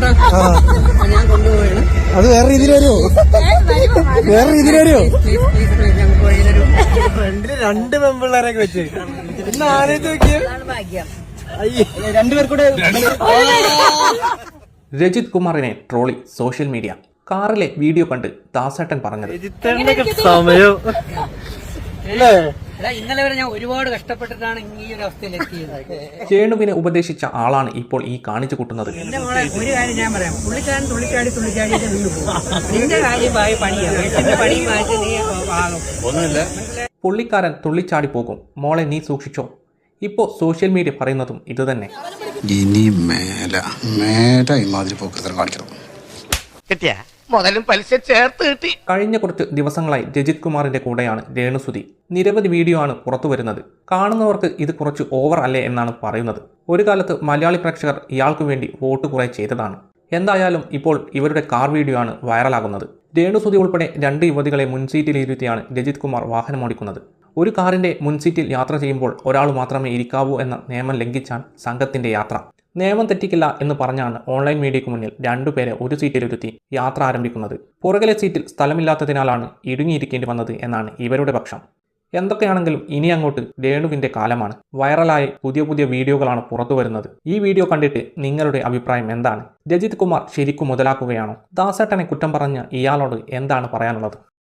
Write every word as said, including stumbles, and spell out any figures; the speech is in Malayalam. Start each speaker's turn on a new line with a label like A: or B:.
A: ഞാൻ കൊണ്ടുപോയാണ്.
B: അത് വേറെ രീതിയിൽ വരുമോ? വേറെ രീതിയിൽ വരുമോ? ഫ്രണ്ടില് രണ്ട് പെമ്പിള്ളേരൊക്കെ വെച്ച് ഇന്ന് ആലോചിച്ച് നോക്കിയ രണ്ടുപേർക്കൂടെ.
C: രജിത് കുമാറിനെ ട്രോളി സോഷ്യൽ മീഡിയ. കാറിലെ വീഡിയോ കണ്ട് ദാസേട്ടൻ പറഞ്ഞത്
B: സമയം
A: ഇന്നലെ വരെ ഞാൻ ഒരുപാട് കഷ്ടപ്പെട്ടിട്ടാണ് ഈ ഒരു അവസ്ഥയിലെത്തിയത്.
C: രേണുവിനെ ഉപദേശിച്ച ആളാണ് ഇപ്പോൾ ഈ കാണിച്ചു കൂട്ടുന്നത്.
A: എന്റെ മോളെ ഒരു കാര്യം ഞാൻ പറയാം, പുള്ളിക്കാരൻ തുള്ളിച്ചാടി തുള്ളിച്ചാടി വീണ്ടും പോകും. നിന്റെ കാര്യമായ പണിയാണ്, വീട്ടിന്റെ പണി മാറ്റി നീ ഒന്നുമില്ല.
C: പുള്ളിക്കാരൻ തുള്ളിച്ചാടി പോകും, മോളെ നീ സൂക്ഷിച്ചോ. ഇപ്പോ സോഷ്യൽ മീഡിയ പറയുന്നതും ഇത് തന്നെ.
D: ഇനി മേല മേല ഇമാതിരി പോക്കൃതം കാണിക്കണം.
E: കിട്ടിയ മുതലും പലിശ ചേർത്ത് കിട്ടി.
C: കഴിഞ്ഞ കുറച്ച് ദിവസങ്ങളായി രജിത് കുമാറിന്റെ കൂടെയാണ് രേണുസുതി. നിരവധി വീഡിയോ ആണ് പുറത്തു വരുന്നത്. കാണുന്നവർക്ക് ഇത് കുറച്ച് ഓവർ അല്ലേ എന്നാണ് പറയുന്നത്. ഒരു കാലത്ത് മലയാളി പ്രേക്ഷകർ ഇയാൾക്കു വേണ്ടി വോട്ട് കുറെ ചെയ്തതാണ്. എന്തായാലും ഇപ്പോൾ ഇവരുടെ കാർ വീഡിയോ ആണ് വൈറലാകുന്നത്. രേണുസുതി ഉൾപ്പെടെ രണ്ട് യുവതികളെ മുൻസീറ്റിലിരുത്തിയാണ് രജിത് കുമാർ വാഹനമോടിക്കുന്നത്. ഒരു കാറിന്റെ മുൻസീറ്റിൽ യാത്ര ചെയ്യുമ്പോൾ ഒരാൾ മാത്രമേ ഇരിക്കാവൂ എന്ന നിയമം ലംഘിച്ചാണ് സംഘത്തിന്റെ യാത്ര. നിയമം തെറ്റിക്കില്ല എന്ന് പറഞ്ഞാണ് ഓൺലൈൻ മീഡിയയ്ക്ക് മുന്നിൽ രണ്ടുപേരെ ഒരു സീറ്റിലിരുത്തി യാത്ര ആരംഭിക്കുന്നത്. പുറകിലെ സീറ്റിൽ സ്ഥലമില്ലാത്തതിനാലാണ് ഇടുങ്ങിയിരിക്കേണ്ടി വന്നത് എന്നാണ് ഇവരുടെ പക്ഷം. എന്തൊക്കെയാണെങ്കിലും ഇനി അങ്ങോട്ട് രേണുവിന്റെ കാലമാണ്. വൈറലായി പുതിയ പുതിയ വീഡിയോകളാണ് പുറത്തു വരുന്നത്. ഈ വീഡിയോ കണ്ടിട്ട് നിങ്ങളുടെ അഭിപ്രായം എന്താണ്? രജിത് കുമാർ ശരിക്കും മുതലാക്കുകയാണോ? ദാസേട്ടനെ കുറ്റം പറഞ്ഞ ഇയാളോട് എന്താണ് പറയാനുള്ളത്?